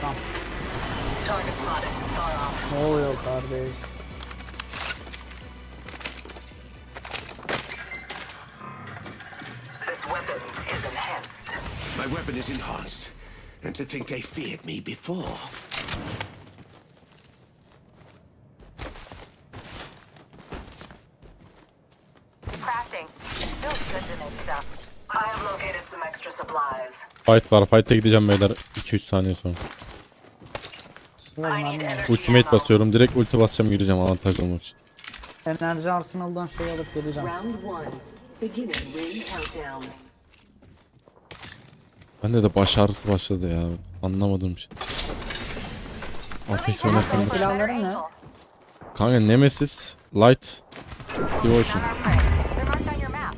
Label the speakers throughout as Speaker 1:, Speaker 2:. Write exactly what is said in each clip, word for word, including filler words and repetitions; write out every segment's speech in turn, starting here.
Speaker 1: Tamam. Ne oluyor kardeş?
Speaker 2: My weapon is enhanced. And to think they feared me before.
Speaker 3: Crafting. Feels good to make stuff. I have located some extra supplies.
Speaker 4: Fight var. Fight'e gideceğim beyler iki üç saniye sonra.
Speaker 3: I need energy
Speaker 4: Ultimate
Speaker 3: ammo.
Speaker 4: basıyorum. Direkt ulti basacağım, gireceğim avantajlı olmak için.
Speaker 1: Enerji arsenal'dan şey alıp geleceğim.
Speaker 5: Round one. Beginning ring countdown.
Speaker 4: Bende de baş ağrısı başladı ya. Anlamadığım şey. Afeksiyona
Speaker 1: Senin
Speaker 4: kalmış.
Speaker 1: silahların ne?
Speaker 4: Kanka Nemesis, Light, Devotion.
Speaker 3: They're marked on your map.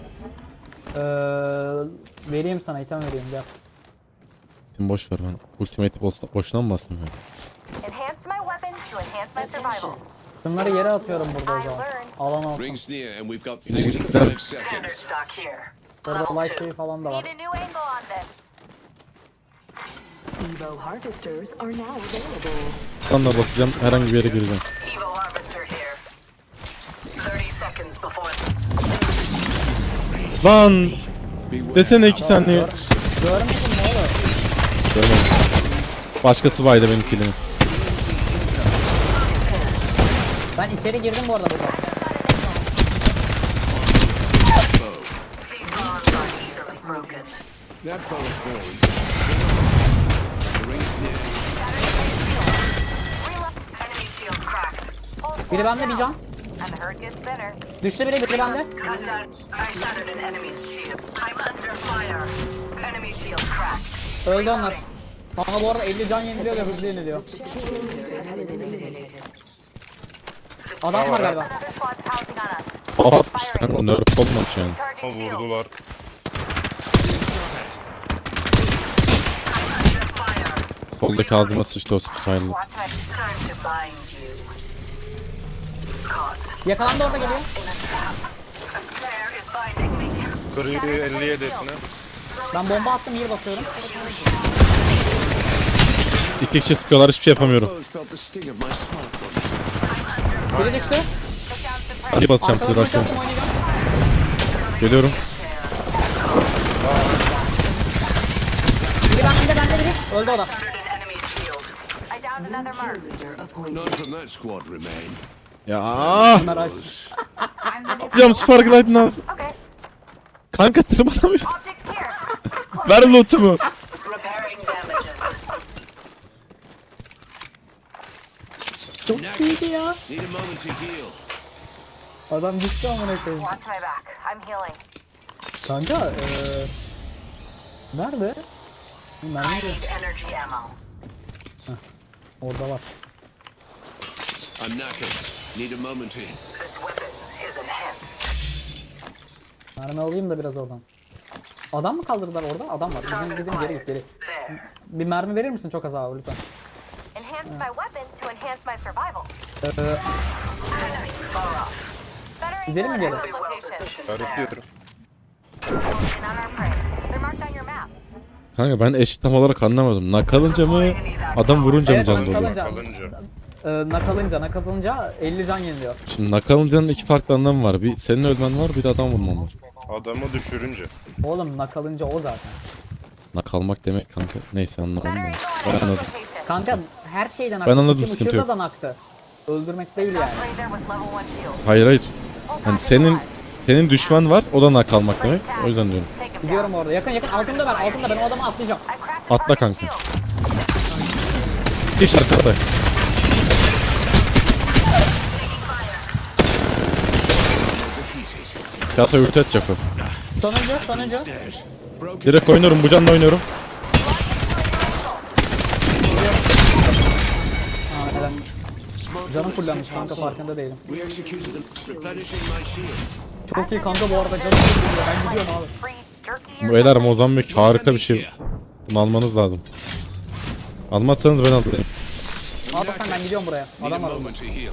Speaker 1: Ee, vereyim sana, item vereyim gel.
Speaker 4: Şimdi boş ver, ben Ultimate boş- boşuna mı bastım ya?
Speaker 3: Enhance my weapon to enhance my survival.
Speaker 1: Şunları yere atıyorum burada o zaman. Alan olsun.
Speaker 2: Rings near and we've got
Speaker 4: Yine gittiler.
Speaker 2: forty-five
Speaker 3: Standard
Speaker 2: seconds.
Speaker 3: stock here.
Speaker 1: Burada light şey falan da
Speaker 3: Need
Speaker 1: var.
Speaker 3: a new angle on this.
Speaker 5: Evo harvesters are now available.
Speaker 4: Ben de basacağım, herhangi bir yere gireceğim.
Speaker 3: Evo harvester here. thirty seconds before.
Speaker 4: Lan! Desene iki saniye.
Speaker 1: Görmedin mi oğlum?
Speaker 4: Görmedim. Başkası baydı benim killimi.
Speaker 1: Ben içeri girdim bu arada burada.
Speaker 3: These bonds are easily broken.
Speaker 2: That fellow's born. The rings near.
Speaker 3: Reload. Enemy shield cracked.
Speaker 1: Biri bende bir can.
Speaker 3: And the hurt gets better.
Speaker 1: Düştü biri, biri bende.
Speaker 3: Cut down. I shattered an enemy's shield. I'm under fire. Enemy shield cracked.
Speaker 1: Öldü onlar. Ama bu arada elli can yeniliyor ve hızlı yeniliyor. Adam var galiba.
Speaker 3: Another squad's housing on us.
Speaker 4: Aa, sen o nerf olmamış yani.
Speaker 3: Charging shield.
Speaker 6: Vurdular.
Speaker 4: Soldaki ağzıma sıçtı o Spyle'ı.
Speaker 3: Watch my time to bind you. Caught.
Speaker 1: Yakalandı, orada geliyor.
Speaker 3: In a trap. A snare is binding me.
Speaker 6: Kırıyor elli yedi etine.
Speaker 1: Ben bomba attım, heal basıyorum.
Speaker 4: İki kişi sıkıyorlar, hiçbir şey yapamıyorum.
Speaker 2: Both felt the sting of my smart bullets.
Speaker 1: Biri düştü.
Speaker 3: Took down some prey.
Speaker 4: Hadi basacağım sizi,
Speaker 1: Arkadan
Speaker 4: rushlayın.
Speaker 1: uçaktım, oynayacağım.
Speaker 4: Geliyorum.
Speaker 1: Biri bende, bende biri. Öldü o da.
Speaker 3: Shattered an enemy's shield. I downed another mark.
Speaker 5: Leader appointed.
Speaker 2: None from that squad remain.
Speaker 4: Ya.
Speaker 1: Ömer aç.
Speaker 4: Yapacağım Spark Light'ın ağzı.
Speaker 3: Okay.
Speaker 4: Kanka tırmanamıyorum.
Speaker 3: Optics here.
Speaker 4: Ver lootumu.
Speaker 3: Repairing damages.
Speaker 1: Çok iyiydi ya.
Speaker 2: Need a moment to heal.
Speaker 1: Adam düştü amına koyayım.
Speaker 3: Watch my back. I'm healing.
Speaker 1: Kanka eee... Nerede? Mermi
Speaker 3: I
Speaker 1: yok.
Speaker 3: need energy ammo.
Speaker 1: Orada var.
Speaker 2: I'm knackered. Need a moment to.
Speaker 3: This weapon is enhanced.
Speaker 1: Mermi alayım da biraz oradan. Adam mı kaldırdılar orada? Adam var. Bizim dediğim geri git geri.
Speaker 3: There.
Speaker 1: Bir mermi verir misin çok az abi lütfen?
Speaker 3: Enhance my weapon to enhance my survival.
Speaker 1: Eee...
Speaker 3: Enemy far off. Better
Speaker 1: Gidelim
Speaker 3: angle
Speaker 1: mi
Speaker 3: at
Speaker 1: geri?
Speaker 3: Echo's location. There.
Speaker 6: Öğretiyorum.
Speaker 3: Focusing on our prey. They're marked on your map.
Speaker 4: Kanka ben eşit tam olarak anlamadım. Nakalınca mı, adam vurunca mı
Speaker 1: Evet,
Speaker 4: can doluyor?
Speaker 1: nakalınca.
Speaker 6: Kalınca.
Speaker 1: Eee nakalınca, nakalınca elli can yeniliyor.
Speaker 4: Şimdi nakalıncanın iki farklı anlamı var. Bir senin ölmen var, bir de adam vurman var.
Speaker 6: Adamı düşürünce.
Speaker 1: Oğlum nakalınca o zaten.
Speaker 4: Nakalmak demek kanka. Neyse anlamadım
Speaker 3: Better
Speaker 4: ben.
Speaker 3: angle
Speaker 4: Ben
Speaker 3: at Echo's
Speaker 4: anladım.
Speaker 3: location.
Speaker 1: Kanka her şeyden
Speaker 4: Ben anladım,
Speaker 1: Kim
Speaker 4: sıkıntı
Speaker 1: ışığında
Speaker 4: yok.
Speaker 1: da naktı. Öldürmek değil yani.
Speaker 3: Right there with level one shield.
Speaker 4: Hayır hayır.
Speaker 3: Full
Speaker 4: Yani
Speaker 3: package
Speaker 4: senin
Speaker 3: alive.
Speaker 4: senin düşman var, o da nakalmak demek. O yüzden diyorum.
Speaker 3: Take him
Speaker 1: Gidiyorum
Speaker 3: down.
Speaker 1: orada. Yakın yakın altında ben, altında ben o adamı atlayacağım.
Speaker 3: I cracked a
Speaker 4: Atla
Speaker 3: target
Speaker 4: kanka.
Speaker 3: shield.
Speaker 4: Hiç arkada. Kağıta ürtü atacak o.
Speaker 1: Sonuncu, sonuncu.
Speaker 4: Direkt oynuyorum, bu canla oynuyorum.
Speaker 1: Aa, helal. Canım fullenmiş kanka, farkında değilim.
Speaker 2: We executed them, replenishing my shield.
Speaker 1: Çok iyi kanka bu arada, canım fullenmiş. Ben gidiyorum abi.
Speaker 3: Free jerky or
Speaker 4: Beyler Mozambik harika bir şey. Bunu almanız lazım. Almazsanız ben alayım.
Speaker 1: Al sen, ben gidiyorum buraya.
Speaker 2: Need a
Speaker 1: Adam var orada.
Speaker 2: moment to heal.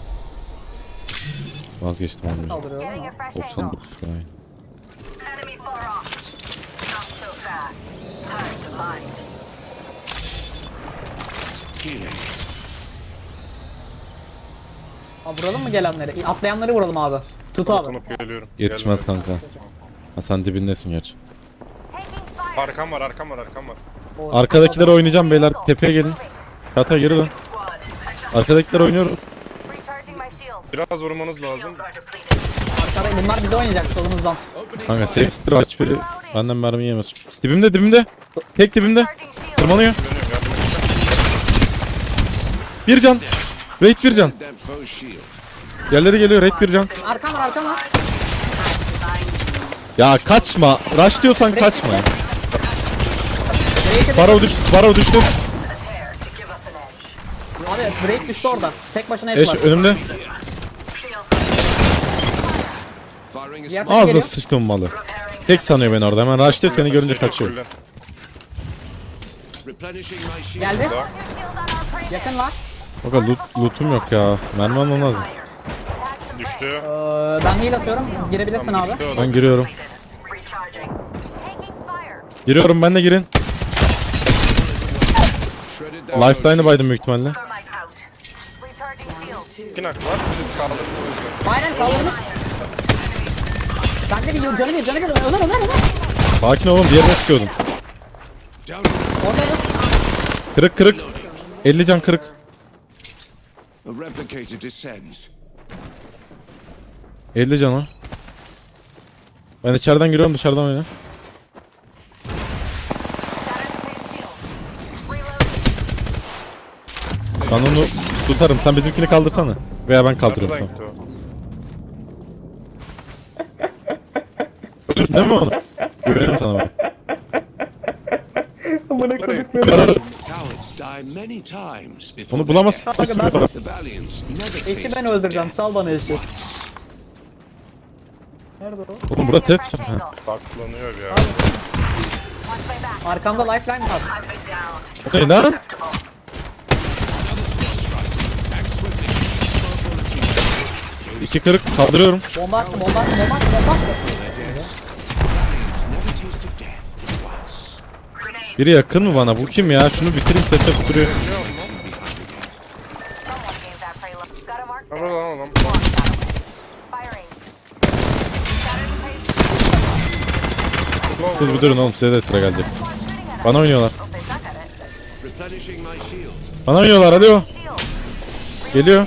Speaker 4: Vazgeçtim almayacağım.
Speaker 1: Kaldırıyorum
Speaker 3: getting
Speaker 1: ama.
Speaker 3: a fresh
Speaker 4: doksan
Speaker 3: angle.
Speaker 4: dokuz tane.
Speaker 3: Enemy far off. Not so fast. Time to bind.
Speaker 1: Abi vuralım mı gelenleri? Atlayanları vuralım abi. Tut abi.
Speaker 6: Dokunup geliyorum.
Speaker 4: Yetişmez
Speaker 6: Gelmiyor.
Speaker 4: kanka. Ha sen dibindesin gerçi.
Speaker 3: Taking fire.
Speaker 6: Arkam var arkam var arkam var.
Speaker 1: O-
Speaker 4: Arkadakiler oynayacağım beyler. Tepeye gelin. Kata geri dön. Arkadakiler oynuyor.
Speaker 3: Recharging my shield.
Speaker 6: Biraz vurmanız lazım.
Speaker 1: Arkada- Bunlar bize oynayacak solumuzdan.
Speaker 4: Kanka safe stream aç biri. Benden mermi yemez. Dibimde dibimde. Tek dibimde.
Speaker 3: Recharging shield.
Speaker 4: Tırmanıyor.
Speaker 6: Dönüyorum yardım edeceğim.
Speaker 4: Bir can. Raid bir can. Yerleri geliyor raid bir can.
Speaker 1: Arkam var arkam var.
Speaker 4: Ya kaçma. Rush diyorsan kaçma.
Speaker 1: Drake'e
Speaker 4: Barrow düştü. Barrow düştü.
Speaker 1: Abi Drake düştü orada. Tek başına hep
Speaker 4: Eş
Speaker 1: var.
Speaker 4: önümde.
Speaker 1: Diğer tek
Speaker 4: Ağzına
Speaker 1: geliyor.
Speaker 4: sıçtım malı. Tek sanıyor beni orada. Hemen rush diyor seni görünce kaçıyor.
Speaker 6: Fullen.
Speaker 1: Geldi.
Speaker 3: Your shield on our prey.
Speaker 1: Yakın var.
Speaker 4: Baka loot, lootum yok ya. Mermi almam lazım.
Speaker 6: Düştü.
Speaker 1: Ee, ben heal atıyorum. Girebilirsin
Speaker 6: Tamam,
Speaker 1: abi.
Speaker 6: düştü o da.
Speaker 4: Ben giriyorum.
Speaker 3: Recharging. Taking fire.
Speaker 4: Giriyorum ben de girin. Lifeline'ı baydım büyük ihtimalle.
Speaker 3: Thermite out. Recharging shield.
Speaker 6: İki nak var. Kaldı.
Speaker 1: Aynen kaldırmış. Ben de bir canı bir canı bir. Ömer Ömer Ömer.
Speaker 4: Sakin olun diğerine sıkıyordum.
Speaker 1: Orada da.
Speaker 4: Kırık kırık. elli can kırık.
Speaker 2: The replicator descends.
Speaker 4: elli can o. Ben içeriden giriyorum dışarıdan oyna. Ben onu tutarım. Sen bizimkini kaldırsana. Veya ben kaldırıyorum.
Speaker 6: Buradan
Speaker 4: Tamam.
Speaker 6: gitti o.
Speaker 4: Ölürsün değil mi onu? Güveniyorum sana ben.
Speaker 2: Cowards die many times before
Speaker 4: Onu
Speaker 2: they
Speaker 4: bulamazsın.
Speaker 2: get-
Speaker 1: Kanka ben
Speaker 2: The valiants never
Speaker 1: eşi
Speaker 2: taste
Speaker 1: ben öldüreceğim. Sal bana eşi. Nerede o?
Speaker 4: Oğlum burada test. Ha.
Speaker 6: Saklanıyor bir ya.
Speaker 1: Arkamda lifeline var.
Speaker 4: O ne lan? İki kırık kaldırıyorum.
Speaker 1: Bomba attı bomba attı bomba attı bomba attı.
Speaker 2: never tasted death once.
Speaker 4: Biri yakın mı bana? Bu kim ya? Şunu bitireyim ses yapıp duruyor.
Speaker 3: Someone gave that prey look. Got a mark
Speaker 6: Ha
Speaker 3: there.
Speaker 6: burada lan adam.
Speaker 3: Firing. Shattered prey.
Speaker 4: Siz bir durun oğlum size de tıra gelecek. Bana oynuyorlar.
Speaker 3: Oh, they suck at it.
Speaker 2: Replenishing my shields.
Speaker 4: Bana oynuyorlar hadi o.
Speaker 3: Shield.
Speaker 4: Geliyor.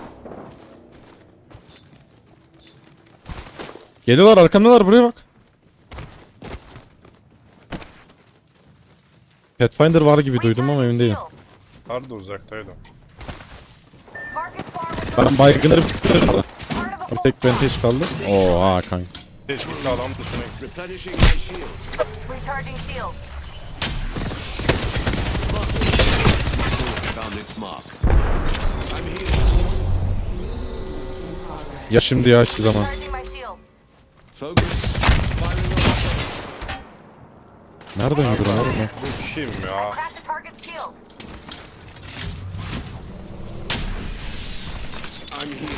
Speaker 4: Geliyorlar arkamdalar buraya bak. Pathfinder var gibi duydum ama emin değilim.
Speaker 6: Harbi uzaktaydı.
Speaker 3: Marcus bar with
Speaker 4: Ben baygınları bitirdim.
Speaker 3: part of
Speaker 4: Bir
Speaker 3: a
Speaker 4: tek vantage kaldı. Oo ha kanka.
Speaker 6: Teşvikli adam dışına gitti.
Speaker 2: Replenishing my shields.
Speaker 3: recharging shield.
Speaker 2: Found its mark. I'm here.
Speaker 4: Ya şimdi ya hiçbir zaman.
Speaker 3: Recharging my shields.
Speaker 2: Focus. Firing on
Speaker 4: Nereden yürü lan oğlum?
Speaker 6: Bu kim ya?
Speaker 3: Cracked a target's shield.
Speaker 2: I'm here.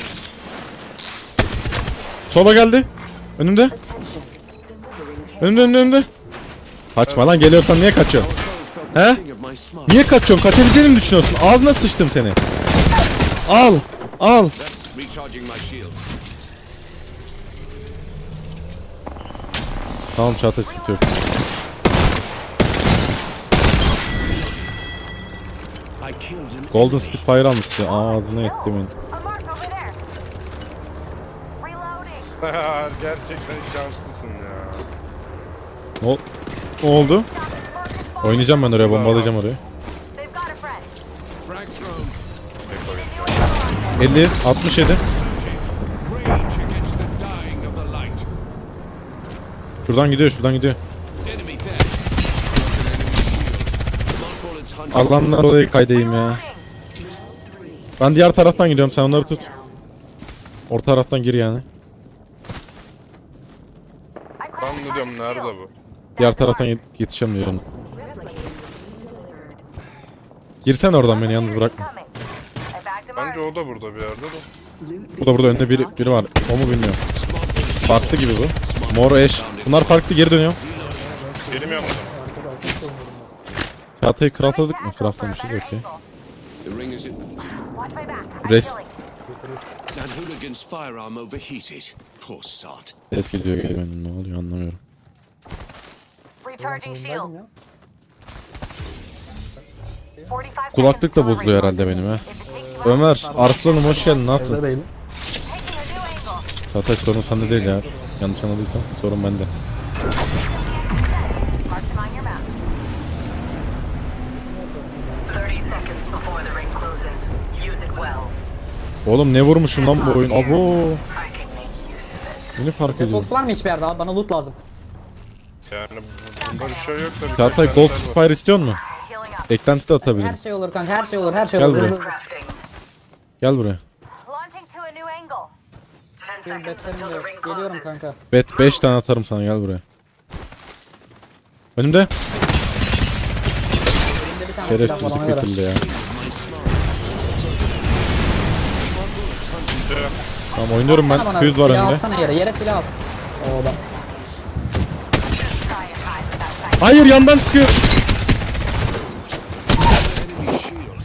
Speaker 4: Sola geldi. Önümde. Önümde önümde önümde. Kaçma lan geliyorsan niye kaçıyorsun? He?
Speaker 2: King of my smart.
Speaker 4: Niye kaçıyorsun? Kaçabileceğini mi düşünüyorsun? Ağzına sıçtım seni. Al. Al.
Speaker 2: Recharging my shields.
Speaker 4: Tamam Çağatay sıkıntı yok.
Speaker 2: I killed an
Speaker 4: Golden Spitfire almıştı. Ağzına ettim onu.
Speaker 3: A mark over there. Reloading.
Speaker 6: Gerçekten şanslısın ya.
Speaker 4: Ne, ol- ne oldu?
Speaker 3: Marcus bar.
Speaker 4: Oynayacağım ben oraya, bombalayacağım orayı.
Speaker 3: They've got a friend.
Speaker 2: frag thrown.
Speaker 3: Need a new one.
Speaker 4: elli, altmış yedi.
Speaker 2: Rage against the dying of the light.
Speaker 4: Şuradan gidiyor, şuradan gidiyor.
Speaker 2: Enemy there. Broken enemy shield. Mark bullets hunting.
Speaker 4: Allah'ımdan orayı kaydayım ya.
Speaker 3: Reloading.
Speaker 4: Ben diğer taraftan gidiyorum, sen onları tut. Orta taraftan gir yani.
Speaker 3: I cracked
Speaker 6: Ben
Speaker 3: a
Speaker 6: de diyorum
Speaker 3: target's
Speaker 6: nerede
Speaker 3: shield.
Speaker 6: bu?
Speaker 4: Diğer taraftan yet- yetişeceğim diyorum. Girsen oradan beni yalnız bırakma.
Speaker 3: Coming. I bagged him
Speaker 6: Bence
Speaker 3: hard.
Speaker 6: o da burada bir yerde de.
Speaker 4: Bu da burada önde biri, biri var. O mu bilmiyorum. Farklı gibi bu. Mor eş. Bunlar farklı, geri dönüyor.
Speaker 6: Benim yanımda.
Speaker 4: Çağatay'ı craftladık mı? Craftlamışız okey.
Speaker 2: The ring is in.
Speaker 3: Watch my back. I'm
Speaker 4: Rest.
Speaker 3: healing.
Speaker 2: That hooligan's firearm overheated. Poor sod.
Speaker 4: Ses geliyor geri benim, ne oluyor anlamıyorum.
Speaker 3: Recharging
Speaker 1: Oyundaydım
Speaker 3: shields.
Speaker 1: ya.
Speaker 3: forty-five
Speaker 4: Kulaklık da
Speaker 3: seconds till the
Speaker 4: bozuluyor
Speaker 3: ring
Speaker 4: herhalde benim ha.
Speaker 3: closes. If it takes you out,
Speaker 4: Ömer, Arslanım hoş geldin, ne yaptın?
Speaker 1: Evde değilim.
Speaker 3: taking a new angle.
Speaker 4: Çağatay sorun sende değil ya. Yanlış anladıysam sorun bende.
Speaker 3: Mark them on your map.
Speaker 5: thirty seconds before the ring closes. Use it well.
Speaker 4: Oğlum ne vurmuşum lan bu oyun? Abo.
Speaker 5: I can make use of it.
Speaker 4: Beni fark ediyorum.
Speaker 1: Box var mı hiçbir yerde abi? Bana loot lazım.
Speaker 6: Yani bunda bir şey yok da. bir
Speaker 4: Çağatay
Speaker 6: tek
Speaker 4: Gold
Speaker 6: karakter var.
Speaker 4: Spire istiyor mu?
Speaker 3: Healing up.
Speaker 4: Eklenti de
Speaker 1: Her
Speaker 4: atabilirim.
Speaker 1: şey olur kanka, her şey olur, her şey
Speaker 4: Gel
Speaker 1: olur.
Speaker 4: buraya.
Speaker 1: Hızlı-
Speaker 5: Crafting.
Speaker 4: Gel buraya.
Speaker 3: Launching to a new angle.
Speaker 5: Ten
Speaker 1: Benim
Speaker 5: seconds
Speaker 1: betlerim
Speaker 5: until
Speaker 1: de yok.
Speaker 5: the ring
Speaker 1: Geliyorum
Speaker 5: closes.
Speaker 1: kanka.
Speaker 4: Bet beş tane atarım sana, gel buraya. Önümde.
Speaker 1: Elimde bir tane silah var
Speaker 4: Şerefsizlik
Speaker 1: ona göre.
Speaker 4: bitirdi ya. Tamam oynuyorum ben.
Speaker 1: Bana
Speaker 4: Füz var
Speaker 1: silah
Speaker 4: önümde.
Speaker 1: atsana yere, yere silah at. O da.
Speaker 3: Try and hide without sight.
Speaker 4: Hayır, yandan sıkıyor.
Speaker 2: Enemy shield.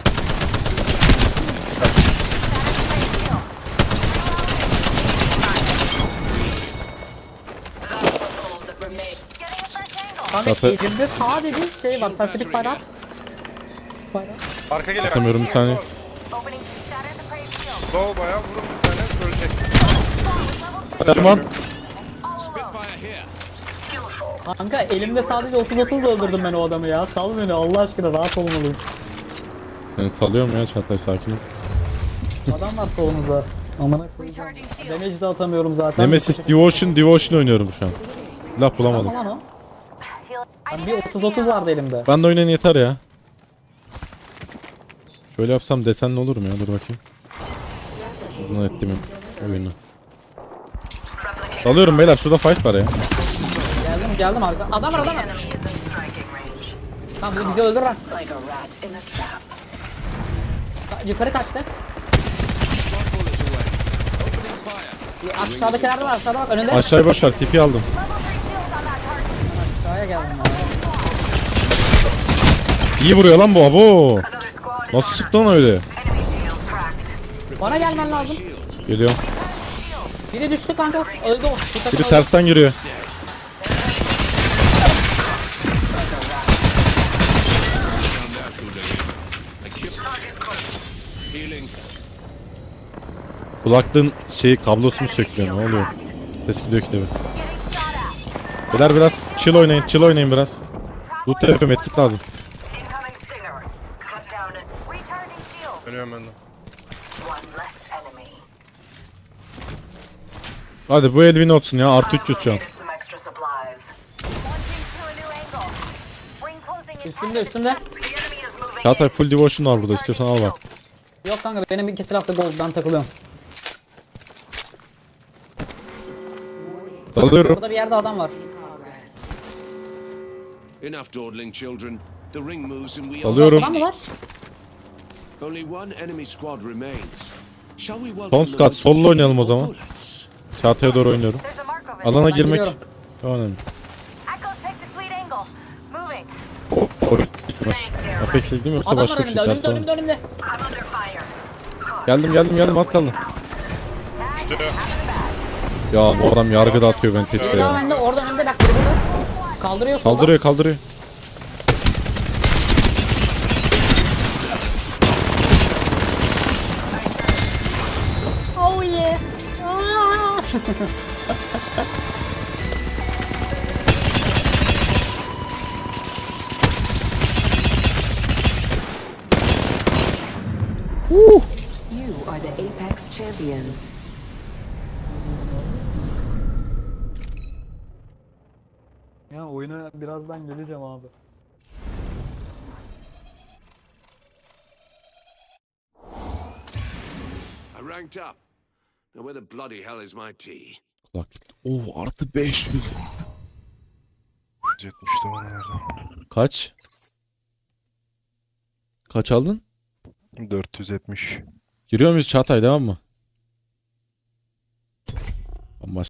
Speaker 3: Getting a fresh angle.
Speaker 1: Kanka
Speaker 4: Zaten-
Speaker 1: elimde sadece şey var, Pacific bayrağı. Bayrağı.
Speaker 6: Arka geliyor.
Speaker 4: Atamıyorum, bir saniye.
Speaker 3: Opening. Shatter the prey shield.
Speaker 6: Doğu bayağı vurun bir tane görecek.
Speaker 3: Level two.
Speaker 4: Tamam.
Speaker 2: Spitfire here.
Speaker 1: Kanka elimde sadece otuz otuz öldürdüm ben o adamı ya. Sal beni Allah aşkına, rahat olmalıyım.
Speaker 4: Seni salıyorum ya Çağatay, sakin ol.
Speaker 1: Adam var solumuzda. Amına koyayım.
Speaker 3: Recharging shield.
Speaker 1: Damage de atamıyorum zaten.
Speaker 4: Nemesis Devotion, Devotion oynuyorum şu an. Laf bulamadım.
Speaker 1: Tamam lan o.
Speaker 3: Heal. I
Speaker 1: Lan
Speaker 3: need
Speaker 1: bir
Speaker 3: another
Speaker 1: otuz otuz
Speaker 3: heal.
Speaker 1: vardı elimde.
Speaker 4: Ben de oynayın yeter ya. Şöyle yapsam desenli olur mu ya? Dur bakayım. Hızına ettim oyunu. Dalıyorum beyler, şurada fight var ya.
Speaker 1: Geldim geldim arka. Adam var adam var.
Speaker 5: Enemy is in striking range.
Speaker 1: Tamam bu bizi öldürür lan.
Speaker 5: Like a rat in a trap.
Speaker 1: Yukarı kaçtı.
Speaker 2: One bullet away. Opening fire.
Speaker 1: Aşağıdakiler de var, aşağıda bak önünde.
Speaker 4: Aşağıya boş ver, tipi aldım.
Speaker 3: Level three shields on that target.
Speaker 1: Aşağıya geldim ya.
Speaker 4: İyi vuruyor lan bu, abo.
Speaker 5: Another squad is
Speaker 4: Nasıl
Speaker 5: on
Speaker 4: sıktı lan öyle?
Speaker 5: us. Enemy shield cracked.
Speaker 1: Bana gelmen lazım.
Speaker 2: Shields.
Speaker 4: Geliyorum.
Speaker 1: Biri düştü kanka. Öldü o. Bir takım
Speaker 4: Biri
Speaker 1: öldü.
Speaker 4: tersten giriyor.
Speaker 2: Down that hooligan. I killed. Healing.
Speaker 4: Kulaklığın şeyi, kablosunu söktü, ne oluyor? Ses gidiyor ki de.
Speaker 3: Getting shot at.
Speaker 4: Beyler biraz chill oynayın, chill oynayın biraz. Loot yapıyorum, etkit lazım.
Speaker 5: Incoming stinger. Cut down and
Speaker 3: Recharging shield.
Speaker 6: Dönüyorum ben de.
Speaker 5: one less enemy.
Speaker 4: Hadi bu Elvin olsun ya, artı üç yüz şu an.
Speaker 5: Located some extra supplies.
Speaker 3: Launching to a new angle. Ring closing in
Speaker 1: Üstümde
Speaker 3: ten
Speaker 1: üstümde.
Speaker 5: The enemy is moving
Speaker 4: Çağatay
Speaker 5: in.
Speaker 4: full devotion var burada, istiyorsan al bak.
Speaker 1: Yok kanka benim iki silah da gold, ben takılıyorum.
Speaker 4: Dalıyorum.
Speaker 1: Burada bir yerde adam var.
Speaker 2: Enough dawdling, children. The ring moves and we
Speaker 4: Alıyorum.
Speaker 1: Adam mı var?
Speaker 2: Only one enemy squad remains. Shall we welcome
Speaker 4: Son
Speaker 2: them
Speaker 4: squad,
Speaker 2: with
Speaker 4: solo oynayalım o
Speaker 2: or
Speaker 4: zaman.
Speaker 2: bullets?
Speaker 4: Çağatay'a doğru oynuyorum.
Speaker 3: There's a mark over
Speaker 4: Alana
Speaker 1: Ben
Speaker 4: girmek
Speaker 1: gidiyorum.
Speaker 4: çok önemli.
Speaker 3: Echo's picked a sweet angle. Moving.
Speaker 4: O, oyun gitmez. Apex League mi yoksa
Speaker 1: Adam var
Speaker 4: başka bir
Speaker 1: önümde,
Speaker 4: şey?
Speaker 1: önümde,
Speaker 4: Ters
Speaker 1: önümde, önümde.
Speaker 5: I'm under fire.
Speaker 4: Geldim geldim geldim, az kaldı.
Speaker 6: İşte
Speaker 4: Ya bu adam yargı dağıtıyor beni tetikte
Speaker 1: Bir daha
Speaker 4: ya.
Speaker 1: bende, orada önümde bak biri burada. Kaldırıyor solda.
Speaker 4: Kaldırıyor kaldırıyor.
Speaker 1: Oh yeah. Aa!
Speaker 5: You are the Apex champions.
Speaker 1: Ya oyuna birazdan geleceğim abi.
Speaker 2: I ranked up. Now where the bloody hell is my tea?
Speaker 4: Kulaklık. Oo artı beş yüz.
Speaker 6: yetmişti bana verdi.
Speaker 4: Kaç? Kaç aldın?
Speaker 6: dört yüz yetmiş.
Speaker 4: Giriyor muyuz Çağatay, devam mı?